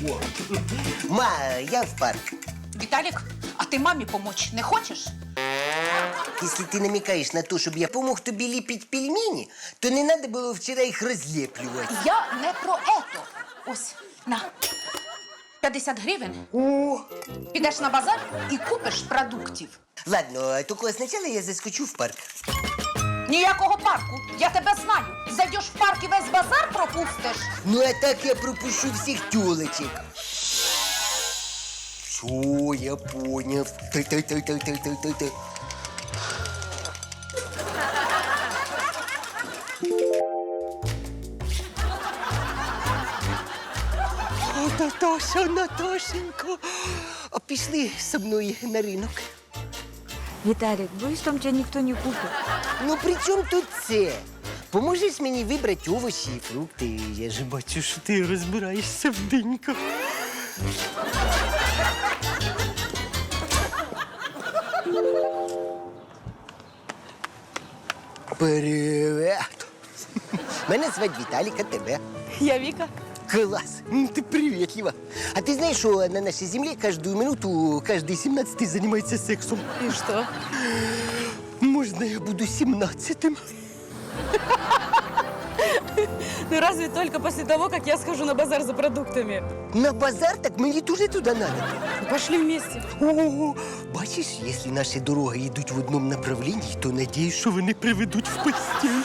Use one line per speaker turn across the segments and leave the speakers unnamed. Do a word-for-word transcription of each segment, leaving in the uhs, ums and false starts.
Ма, я в парк.
Віталік, а ти мамі помочь не хочеш?
Если ты намекаешь на то, чтобы я помог тобі ліпити пельмені, то не надо було вчора їх розліплювати.
Я не про ето. Ось, на. п'ятдесят гривень.
О!
Підеш на базар і купиш продуктів.
Ладно, тільки спочатку я заскочу в парк.
Ніякого парку. Я тебе знаю. Зайдеш в парк і весь базар пропустиш.
Ну, а так я пропущу всіх тёлочек. Все, я понял. Тай-тай-тай-тай-тай-тай-тай. О, Наташа, Наташенька, а пішли со мною на ринок.
Виталик, боюсь, там тебя никто не купит.
Ну, при чому тут це? Поможеш мені вибрати овочі і фрукти? Я ж бачу, що ти розбираєшся в диньках. Привет! Мене звати Віталік, а тебе?
Я Вика.
Класс! Ну, ты приветлива. А ты знаешь, что на нашей земле каждую минуту каждый семнадцатый занимается сексом?
И что?
Можно я буду семнадцатым?
Ну разве только после того, как я схожу на базар за продуктами.
На базар? Так мені тоже туда надо.
Пошли вместе.
О, бачиш, если наши дороги йдуть в одном направлении, то надеюсь, що вони приведуть в постель.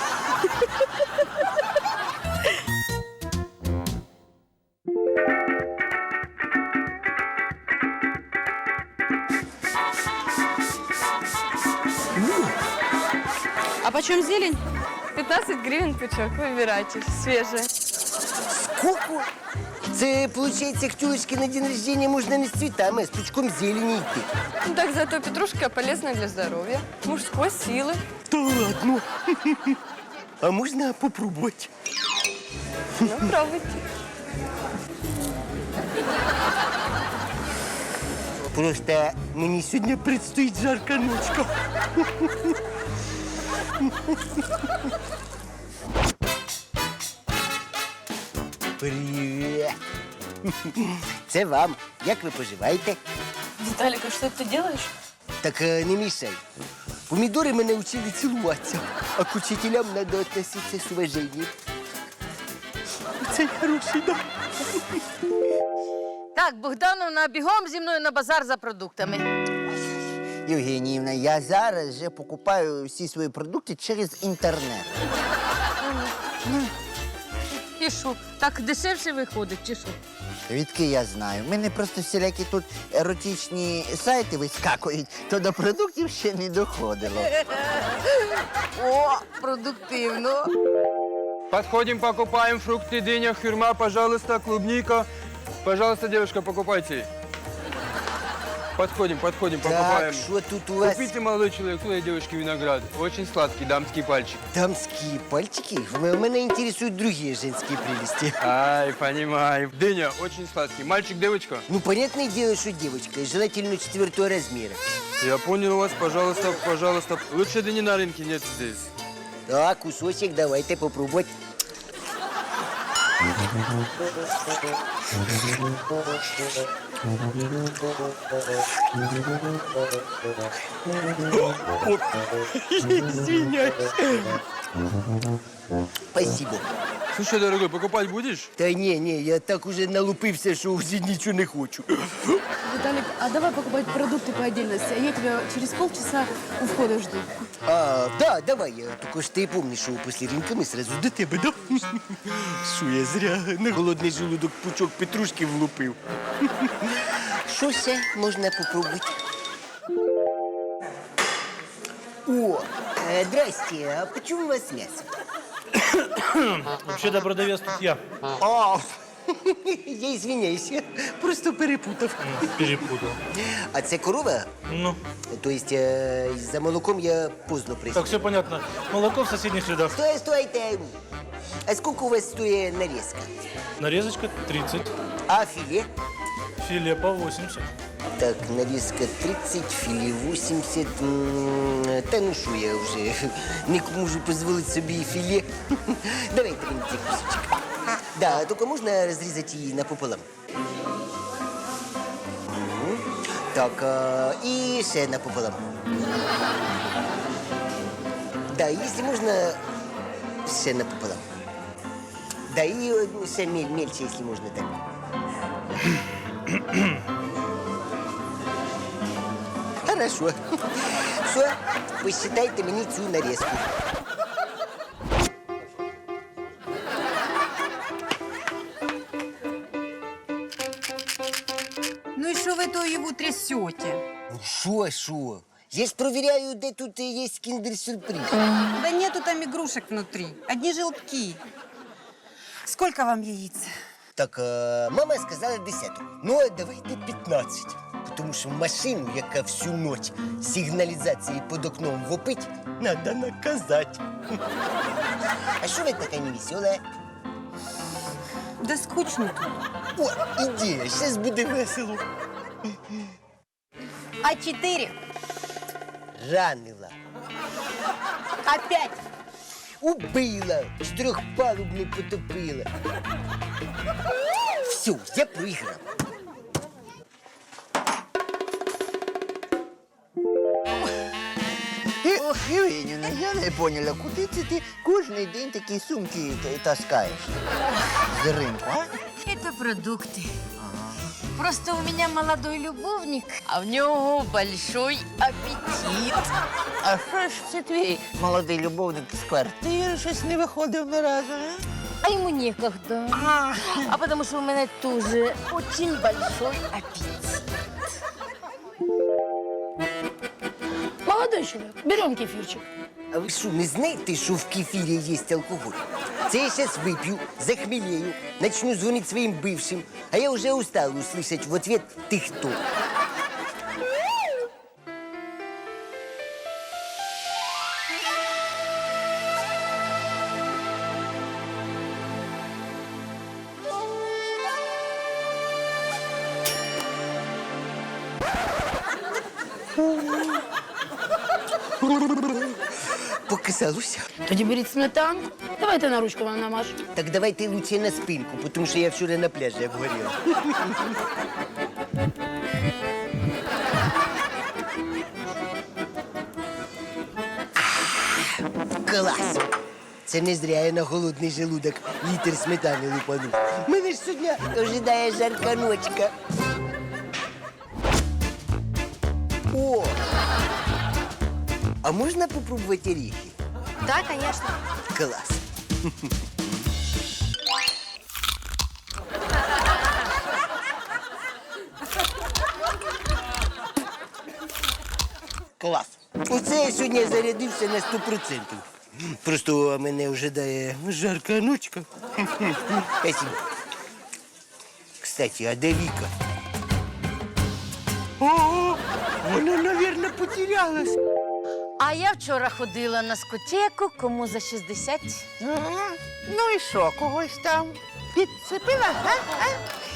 А почем зелень? пятнадцать гривен пучок. Выбирайте. Свежая.
Сколько? Це, получается, к тёлочке на день рождения можно не с цветами, а с пучком зелени идти.
Ну так зато петрушка полезна для здоровья. Мужской силы.
Да ладно. А можно попробовать?
Ну, пробуйте.
Просто мені сьогодні предстоїть жарка ночка. Привіт. Це вам. Як ви поживаєте?
Виталик, а что ты делаешь?
Так е, не мішай. Помідори мене вчили цілуватися, а к учителям треба відноситися з уваженням. Це хороший, да?
Так, Богдановна, бігом зі мною на базар за продуктами.
Євгеніївна, я зараз вже покупаю всі свої продукти через інтернет.
І що, так дешевше виходить, чи що?
Відки я знаю. У мене просто всілякі тут еротичні сайти вискакують, то до продуктів ще не доходило.
О, продуктивно.
Подходим, покупаем фрукты, дыня, хюрма, пожалуйста, клубника. Пожалуйста, девушка, покупайте. Подходим, подходим,
Так,
покупаем.
що тут у вас?
Купите, молодой человек, своей девушке виноград. Очень сладкий дамский пальчик.
Дамские пальчики? В- Меня интересуют другие женские прелести.
Ай, понимаю. Дыня, очень сладкий. Мальчик, девочка?
Ну, понятное дело, что девочка, и желательно четвертого размера.
Я понял вас, пожалуйста, пожалуйста. Лучше дыни на рынке нет здесь.
Так, кусочек давайте попробовать. Извиняюсь. Спасибо.
Слушай, дорогой, покупать будешь?
Та не, не, я так уже налупився, що вже нічого не хочу.
Виталик, а давай покупать продукты по отдельности, а я тебя через полчаса у входа жду.
А, да, давай, я только ж ти помниш, що після ринка ми сразу до тебе, да? Що я зря на голодний желудок пучок петрушки влупив. Що ще можна попробувати? О, э, здрасте, а почему у вас мясо?
Вообще-то продавец тут я.
А, я извиняюсь, я просто перепутав.
Перепутал.
А це корова?
Ну,
То есть э, за молоком я поздно прийшов.
так, все понятно. Молоко в соседних рядах.
Стой, стойте! А сколько у вас стоит нарезка?
Нарезочка тридцать,
А филе?
филе по восемьдесят.
Так, нарезка тридцать, филе восемьдесят. М, Та ну що, я вже не можу дозволити собі і філе. Давайте мені цей кусочок. Да, тільки можна розрізати її напополам. Мгм. Так, а, і ще напополам. Да, якщо можна, ще напополам. Да, і е, ще мель, мельче, якщо можна, так. Хорошо. Все, посчитайте мені цю нарізку.
Ну и что вы то его трясете?
Ну, що, що? Я ж провіряю, де тут е, є кіндер-сюрприз.
Да нету там игрушек внутри, одни желтки. Сколько вам яиц?
Так, е, мама сказала десяток. Ну, а давайте п'ятнадцять. Тому що машину, яка всю ніч сигналізації під окном вопить, треба наказати. А що ви така невесела?
Да скучно тут.
О, ідея, зараз буде весело.
А четыре?
Ранила.
Опять?
Убила, чотирьохпалубну потопила. Все, я проіграв.
Євгенівна, я не поняла, куди це ти кожен день такі сумки т- таскаєш? З ринку, а?
Это продукты. Просто у меня молодой любовник, а в него большой аппетит.
А що ж це твій молодий любовник з квартири щось не виходив ні разу, а?
А ему некогда. А потому что у меня тоже очень большой аппетит.
Молодой человек, берем кефирчик.
А ви що, не знаєте, що в кефірі є алкоголь? Це я зараз вип'ю, захмелею, начну дзвонити своїм бившим, а я вже устала услышать в ответ «ти хто?». Показалося.
Тоді беріть сметанку. Давайте на ручку вам намажу.
Так давайте лучше на спинку, тому що я вчора на пляжі обгоріла. Клас! Це не зря я на голодний желудок літр сметани лупанув. Мене ж сьогодні ожидає жарка ночка. О! А можна попробувати оріхи?
Да, конечно.
Клас! Клас! Оце я сьогодні зарядився на сто відсотків. Просто мене ожидає жарка ночка. Спасибо. Кстати, а де Віка? О, вона, мабуть, потерялась.
А я вчора ходила на скотеку, кому за шістдесят.
Ага. Ну і що, когось там підцепила, а? а?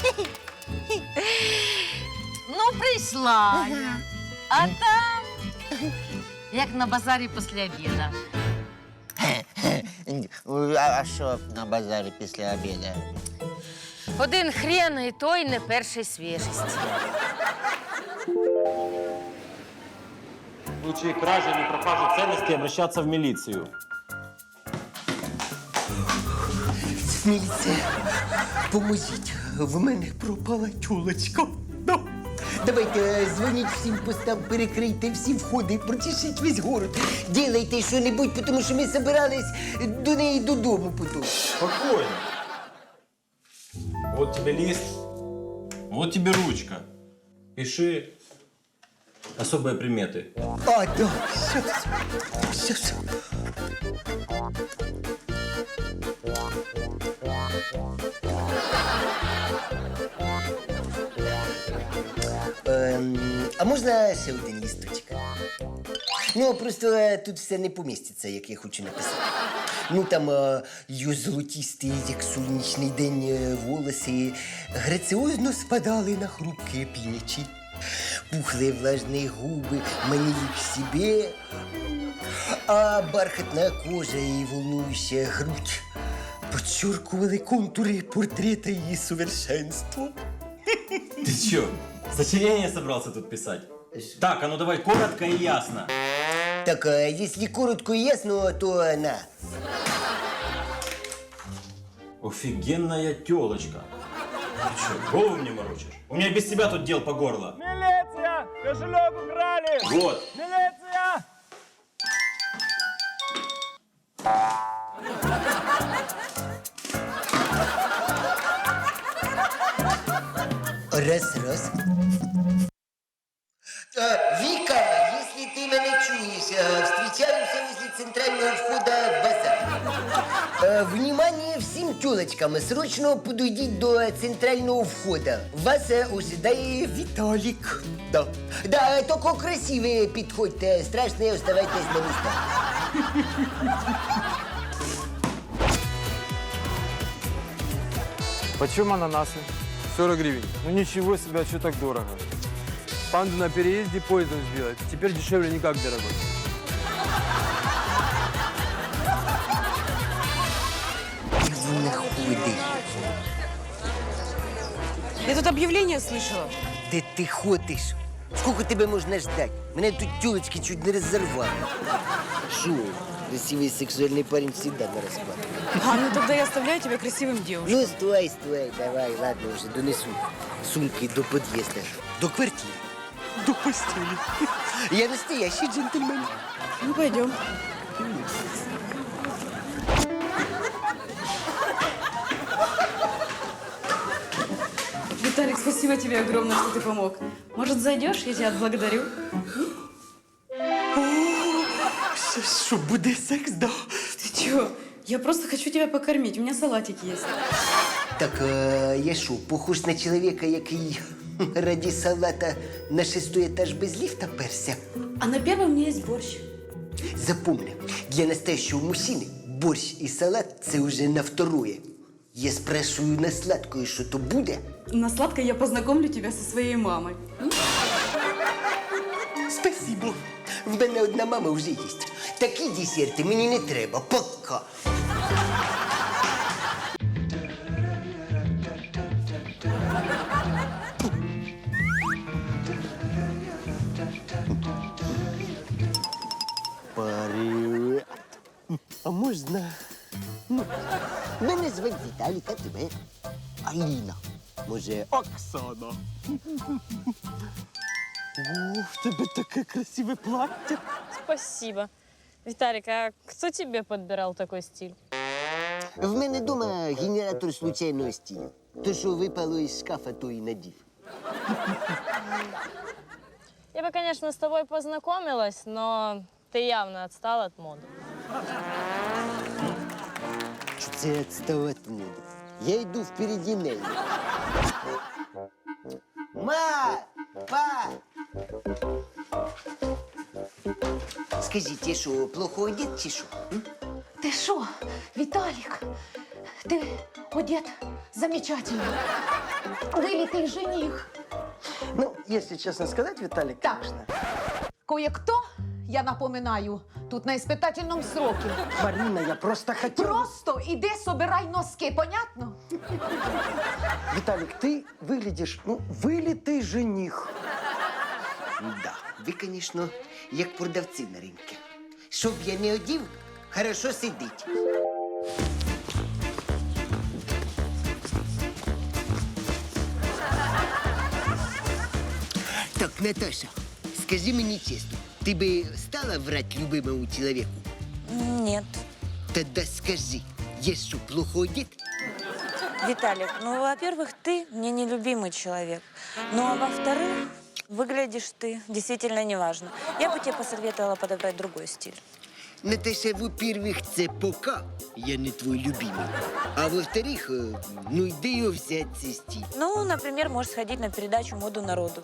Ну, прийшла я. А там, як на базарі після обіду.
А, а що на базарі після обіду?
Один хрен і той не першої свіжості.
В случае кражи или пропажи ценностей обращаться в милицию.
Міліція, поможіть, в мене пропала тюлочка. Да. Давайте е, дзвоніть всім постам, перекрийте всі входи, прочешіть весь город. Ділайте що-небудь, тому що ми збирались до неї додому потім.
Спокойно. Вот тебе лист, вот тебе ручка. Пиши особые приметы.
А, да, щас, щас. Ем, а можна ще один лісточок? Ну, просто е, тут все не поміститься, як я хочу написати. Ну, там е, її золотісті, як сонячний день, е, волоси граціозно спадали на хрупкі плечі. Пухлые влажные губы манили к себе, а бархатная кожа и волнующая грудь подчеркували контури портрета її совершенства.
Ты чё, сочинение собрался тут писать? Так, а ну давай коротко и ясно.
Так, а если коротко и ясно, то на.
Офигенная тёлочка. Ты чё, голову мне морочишь? У меня без тебя тут дел по горло.
Милиция! Кошелек украли!
Вот.
Милиция!
Раз, раз. А, Вика, если ты меня чуешь, а, встречаемся возле центрального входа в базар. А, Внимание всем тёлочкам, срочно подойдите до центрального входа. Вас а, ожидает Виталик. Да. Да, только красивые подходьте, страшные оставайтесь на местах.
Почем ананасы? сорок гривен. Ну ничего себе, а что так дорого? Панду на переезде поездом сделать. Теперь дешевле никак, дорогой.
Ты находишь.
Я тут объявление слышала.
Де ти ходиш? Сколько тебе можна ждать? Мене тут тёлочки чуть не разорвали. Шо? Красивый сексуальный парень всегда на распад.
А, ну тогда я оставляю тебя красивым девушкой.
Ну, стой, стой, давай, ладно, уже донесу сумки до подъезда. До квартиры. До постели. Я настоящий джентльмен.
Ну, пойдем. Виталик, спасибо тебе огромное, что ты помог. Может, зайдешь? Я тебя отблагодарю.
Что, будет секс, да?
Ты чего? Я просто хочу тебя покормить. У меня салатик есть.
Так, а, я що, похож на чоловіка, який ради салата на шестой этаж без лифта перся?
А на первом у меня есть борщ.
Запомни, для настоящего мужчины борщ и салат – це уже на второе. Я спрашиваю на сладкое, что то буде?
На сладкое я познакомлю тебя со своей мамой.
Спасибо. В мене одна мама вже є. Такі десерти мені не треба. Пока. Привет. А можна? Ну, мене звуть Віталік, а тебе? Аліна. Може, Оксана? О, в тебе таке красиве плаття.
Спасибо. Виталик, а кто тебе подбирал такой стиль?
В мене дома генератор случайного стилю. То, що випало із шкафа, то і надів.
Я бы, конечно, с тобой познакомилась, но ты явно отстал от моды.
Це відстав від моди. Я йду впереді неї. Ма! Па! Скажіть, я що, плохо одет чи що? м?
Ти що, Віталік? Ти одет замечательно. Вилітий жених.
Ну, если честно сказать, Виталик,
Так.
конечно.
Кое-кто, я напоминаю, тут на испытательном сроке.
Марина, я просто хотел...
Просто іди собирай носки, понятно?
Виталик, ты выглядишь, ну, вылитый жених.
Да, ви, звісно, як продавці на ринку. Щоб я не одів, хорошо сидить. Так, Наташа, скажи мені чесно, ти би стала врать любимому чоловіку?
Нет.
Тогда скажи, я що, плохо одет?
Виталик, ну, во-первых, ты мне нелюбимый человек. Ну, а во-вторых, выглядишь ты действительно неважно. Я бы тебе посоветовала подобрать другой стиль.
Наташа, во-первых, це пока я не твой любимый. А во-вторых, е, ну де його взяти цей стиль?
Ну, например, можешь сходить на передачу «Моду народу».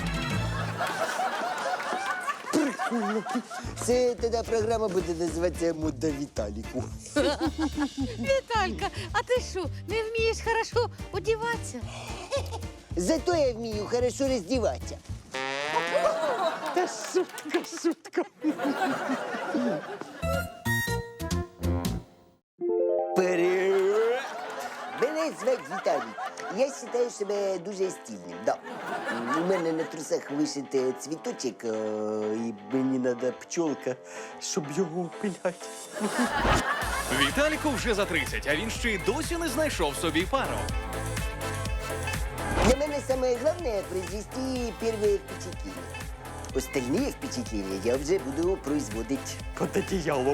Прикольно. Це тоді програма буде називатися «Мода Віталіку».
Виталька, а ты что, не вмієш хорошо одеваться?
Зато я вмію хорошо роздіватися.
Да шутка, шутка.
Привет. звати Віталій. Я вважаю себе дуже стильним, да. У мене на трусах вишити цвіточок, е, і мені треба пчолка, щоб його опиляти.
Віталіку вже за тридцять, а він ще й досі не знайшов собі пару.
Для мене самое главное произвести первые впечатления. Остальные впечатления я вже буду производить под одеялом.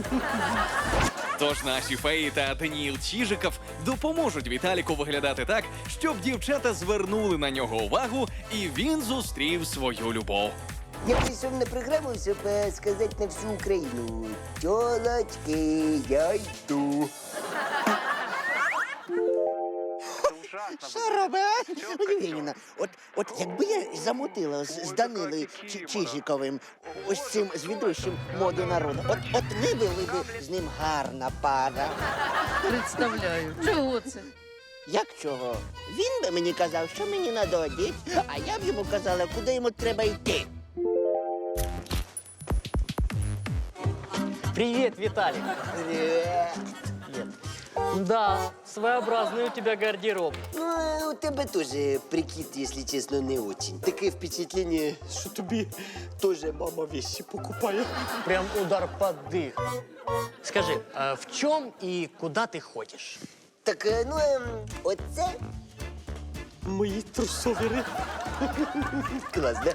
Тож наші феї та Даніїл Чижиков допоможуть Віталіку виглядати так, щоб дівчата звернули на нього увагу і він зустрів свою любов.
Я прийшов на програму, щоб е, сказати на всю Україну: тьолочки, я йду.
Що робить? Євгенівна, от, от якби я замутила з, з Данилою Чи- Чижиковим, ось цим звідущим моду народу, от, от ми були б з ним гарна пара.
Представляю. Чого це?
Як чого? Він би мені казав, що мені треба одіти, а я б йому казала, куди йому треба йти.
Привет, Виталик.
Привет.
Да, своеобразный у тебя гардероб.
Ну, а у тебе теж прикид, якщо чесно, не очень. Таке впечатлення, що тобі теж мама вещи покупає.
Прям удар под дых. Скажи, а в чем и куда ты ходишь?
Так, е, ну, ем, оце мої трусовіри. Клас, да?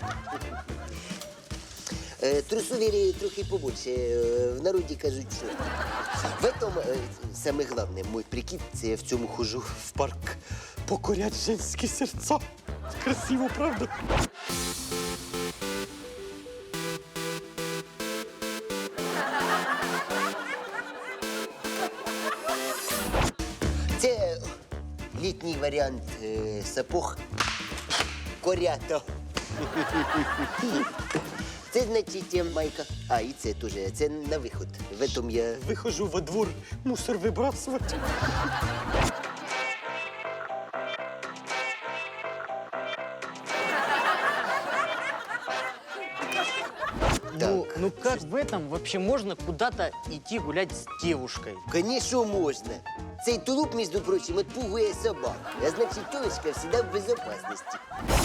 Е, Трусовіри трохи побольше. Е, В народі кажуть, що. В этом е, саме головне, мой прикид, це я в цьому хожу в парк покорять женські серця. Красиво, правда? Це літній варіант е, сапог корято. Це, значить, е, майка. А, і це теж. Це на виход. В этом я виходжу во двор мусор вибрасувати.
Ну, ну как в этом вообще можно куда-то идти гулять с девушкой?
Конечно, можна. Цей тулуп, між прочим, отпугує собак. А значить, тілочка завжди в безопасності.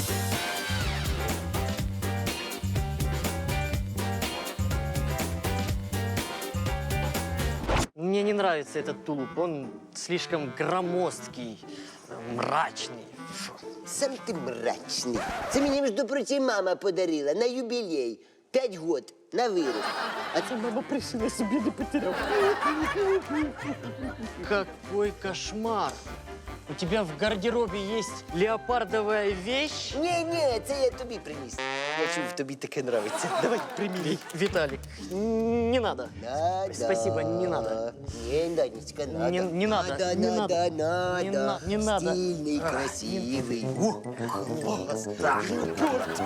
Мне не нравится этот тулуп, он слишком громоздкий, мрачный. Фу.
Сам ти мрачний. Це мені, між прочим, мама подарила на юбілей. П'ять год на вирус. А це мама пришила собі, не потеряв.
Какой кошмар! У тебя в гардеробе есть леопардовая вещь?
Ні-ні, це я тобі приніс. Я чув, тобі таке нравиться. Давай, приміряй.
Виталик, не надо.
Надо.
Спасибо, не надо.
Не, Данечка, надо.
Не- не надо,
Надо,
не
надо,
надо.
надо.
Не на- не надо.
Стильный, красивый. О, класс. Черт.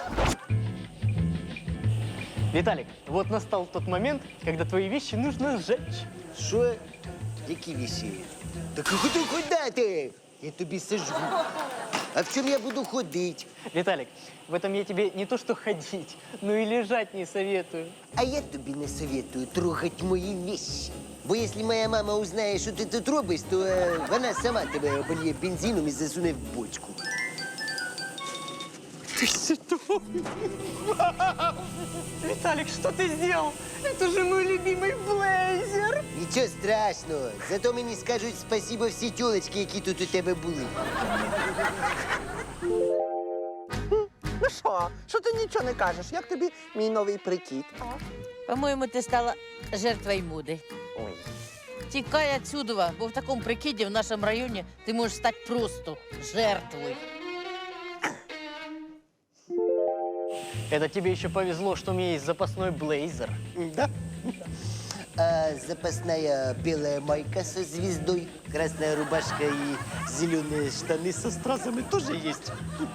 Виталик, вот настал тот момент, когда твои вещи нужно сжечь.
Що? Які вещи? Так куди, куди ти? Я тобі сажу. А в чому я буду ходити?
Виталик, в этом я тебе не то что ходить, но и лежать не советую.
А я тобі не советую трогать мої вещи. Бо якщо моя мама узнає, що ти тут робиш, то е, вона сама тебе обольє бензином і засуне в бочку. Ти що?
Виталик, что ты сделал? Это же мой любимый блейзер.
Нічого страшного. Зато мені скажуть спасибо всі тілочки, які тут у тебе були.
Ну що? Що ти нічого не кажеш? Як тобі мій новий прикид?
По-моєму, ти стала жертвою моди.
Ой.
Тікай отсюда, бо в такому прикиді в нашому районі ти можеш стати просто жертвою.
Это тебе еще повезло, что у меня есть запасной блейзер.
Да. А запасная белая майка со звездой, красная рубашка и зеленые штаны со стразами тоже есть.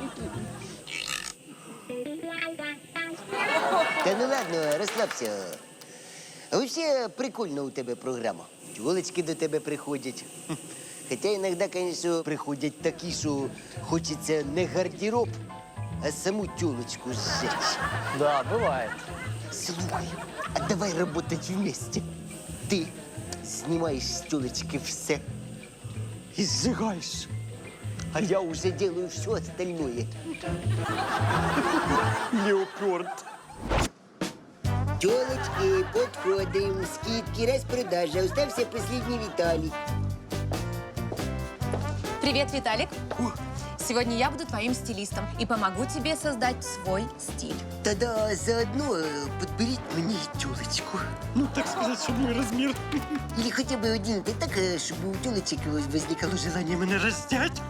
Да ну ладно, расслабься. А вообще прикольно у тебе програма. Тёлочки до тебе приходять. Хотя иногда, конечно, приходять такі, що хочеться не гардероб, а саму тёлочку сжечь.
Да, бывает.
Слухай, а давай работать вместе. Ты снимаешь с тёлочки все. и сжигаешь. А я уже делаю все остальное. Леопард. Телочки, подходим, скидки, распродажа. Остался последний Виталий.
Привет, Виталик. Сегодня я буду твоим стилистом и помогу тебе создать свой стиль.
Тогда заодно э, подберите мне телочку. Ну, так сказать, чтобы мой размер. Или хотя бы один, да так, э, чтобы у телочек возникало желание меня раздеть.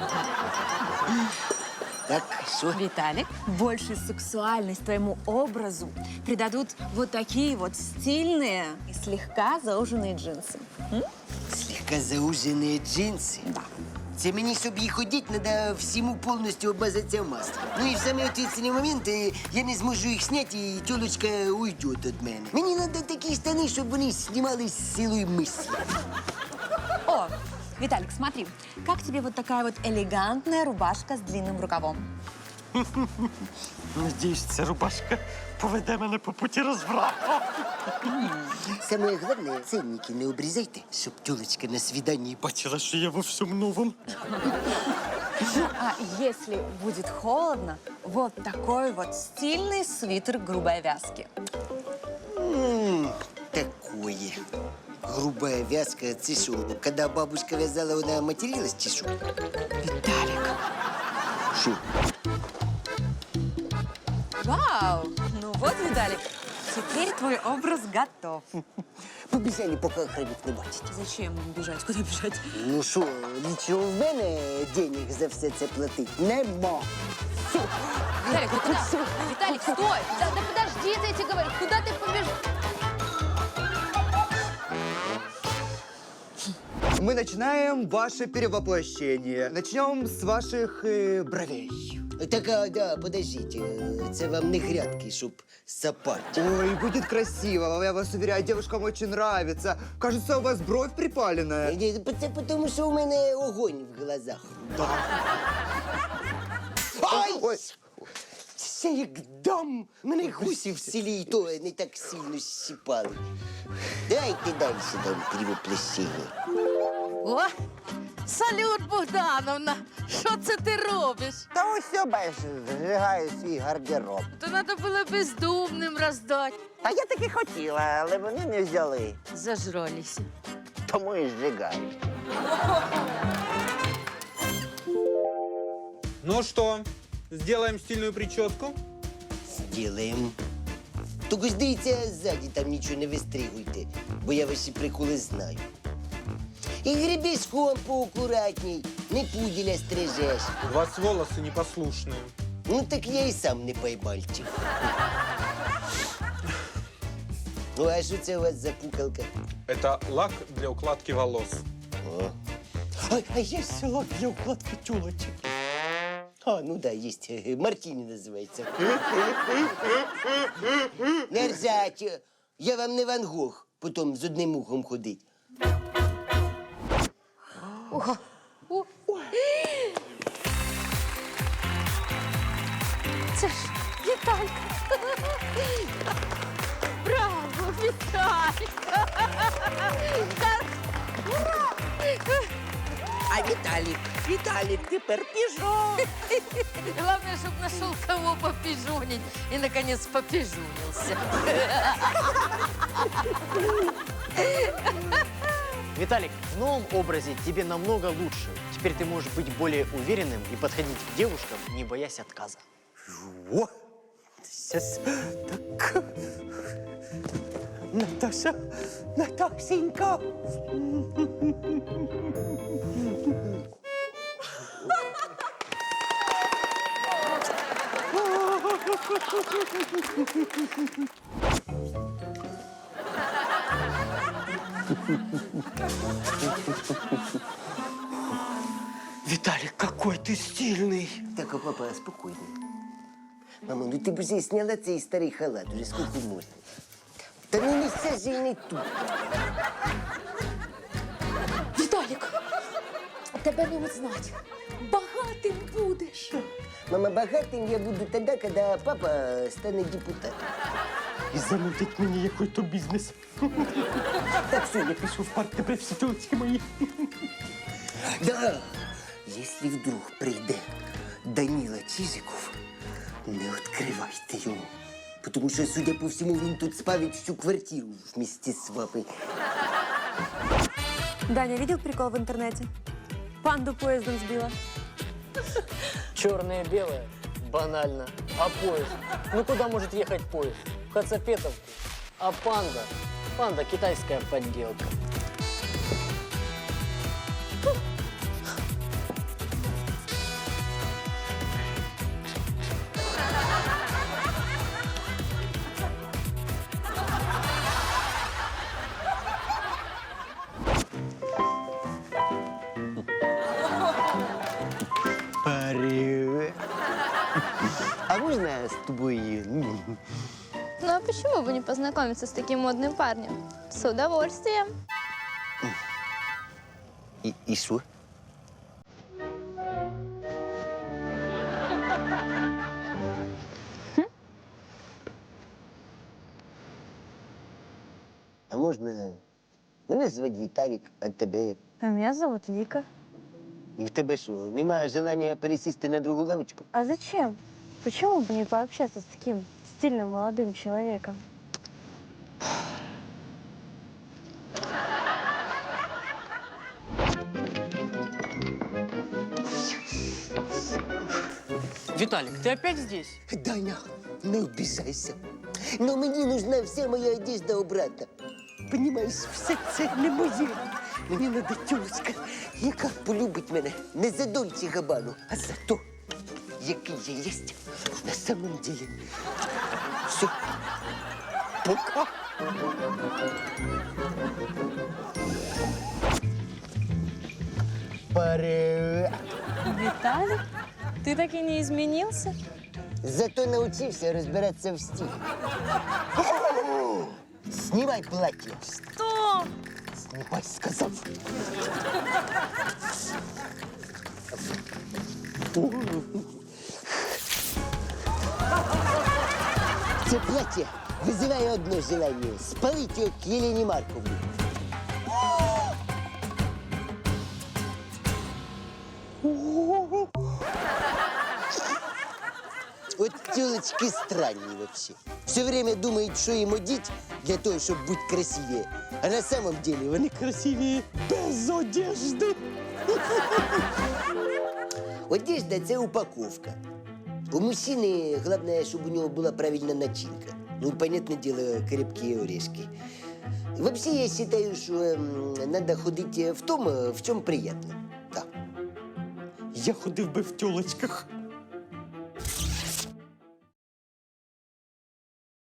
Так, что?
Виталик, большую сексуальность твоему образу придадут вот такие вот стильные и слегка зауженные джинсы. М?
Слегка зауженные джинсы?
Да.
Це мені, щоб їх ходити, треба всьому повністю обмазатися маслом. Ну і в самий ответственний момент е, я не зможу їх зняти, і тілочка уйде від мене. Мені треба такі штани, щоб вони знімались з силою мислі.
О, Виталик, смотри, как тебе вот такая вот элегантная рубашка с длинным рукавом?
Надіюсь, ця рубашка поведе мене по путі розврату. Саме головне, ценники не обрізайте, щоб тілочка на свіданні бачила, що я во всьому новому.
А если будет холодно, вот такой вот стильный свитер грубой вязки.
М, Такое. Грубая вязка, це що? Коли бабушка вязала, вона материлась чи що?
Виталик.
Що?
Вау! Ну вот, Виталик, теперь твой образ готов.
Побіжали, поки охранник не бачить.
Зачем бежать? Куда бежать?
Ну що, нічого в мене денег за все це платить нема.
Виталик, ты куда? Виталик, стой! Да, да подожди, я тебе говорю, куда ты побежишь?
Мы начинаем ваше перевоплощение. Начнем с ваших э, бровей.
Так, а, да, подождіть, е, це вам не грядки, щоб сапати.
Ой, будет красиво, я вас уверяю, девушкам очень нравится. Кажется, у вас бровь припаленная.
Ні, Це тому, що у мене огонь в глазах. Ай!
Ой.
Це як дам! Мене гусі в селі і то не так сильно щипали. Дайте далі дам перевоплощення.
О, салют, Богдановна! Що це ти робиш?
Та ось все, бачиш, зжигаю свій гардероб.
То треба було бездумним роздати.
Та я таки хотіла, але вони не взяли.
Зажралися.
Тому і зжигаю.
Ну что, сделаем стильную прическу?
Сделаем. Тільки ж дивіться, ззаді там нічого не вистригуйте, бо я ваші приколи знаю. І гребешком поаккуратней, не пуделя стрижеш.
У вас волосы непослушные.
Ну так я і сам не поймальчик. Ну, а що це у вас за пукалка?
Это лак для укладки волос.
О. А, а є ще лак для укладки тюлочек. А, ну да, есть. Мартини называется. Не ржать. Я вам не Ван Гог, потом з одним ухом ходить.
Це ж Віталька. Браво, Віталька. Ура!
А Віталік, Віталік, тепер піжон.
Главное, чтобы нашел кого попижонить и, наконец, попижонился.
Виталик, в новом образе тебе намного лучше. Теперь ты можешь быть более уверенным и подходить к девушкам, не боясь отказа.
О, сейчас так. Наташа, Наташенька.
Виталик, какой ты стильный.
Так, а папа, спокойно. Мама, ну ти б вже сняла цей старий халат, уже скільки можна. Та ну не сажай не тут.
Віталік, тебе не узнать. Багатим будеш.
Мама, багатим я буду тоді, коли папа стане депутатом. І замутить мені якийсь бізнес. Так, все, я пішов в парк, тепер всі тілочки мої. Да, якщо вдруг прийде Данила Чижиков, не відкривайте йому. Тому що, судя по всьому, він тут спалить всю квартиру вместе з вами.
Даня, видел прикол в интернете? Панду поездом сбила.
Черное и белое? Банально. А поезд? Ну куда может ехать поезд? В Хацапетовку. А панда? Панда китайская подделка.
Привет. А можно с тобой? ну,
Ну а почему бы не познакомиться с таким модным парнем? С удовольствием.
И, и что? А можно... Мене звати Віталік, а тебе?
А меня зовут Вика.
І в тебе що, немає желання пересісти на другу лавочку?
А зачем? Почему бы не пообщаться с таким стильным молодым человеком?
Виталик, ты опять здесь?
Даня, не обіжайся. Но мені нужна вся моя одежда обратно. Понимаєш, все це не моє. Мені надо тюлечка, яка полюбить мене не за Дольче Габану, а за то, який я єсть на самом деле. Все. Пока. Привет.
Виталик, ты так и не изменился?
Зато научился разбираться в стиле. Снимай платье.
Что?
Снимай, сказал. Це платье вызывает одно желание — спалить ее к Елене Марковне. Вот тёлочки странные вообще. Все время думают, что им одеть для того, чтобы быть красивее. А на самом деле они красивее без одежды. Одежда – це упаковка. У мужчины главное, чтобы у него была правильная начинка. Ну и, понятное дело, крепкие орешки. Вообще, я считаю, что эм, надо ходить в том, в чем приятно. Да. Я ходив би в тёлочках.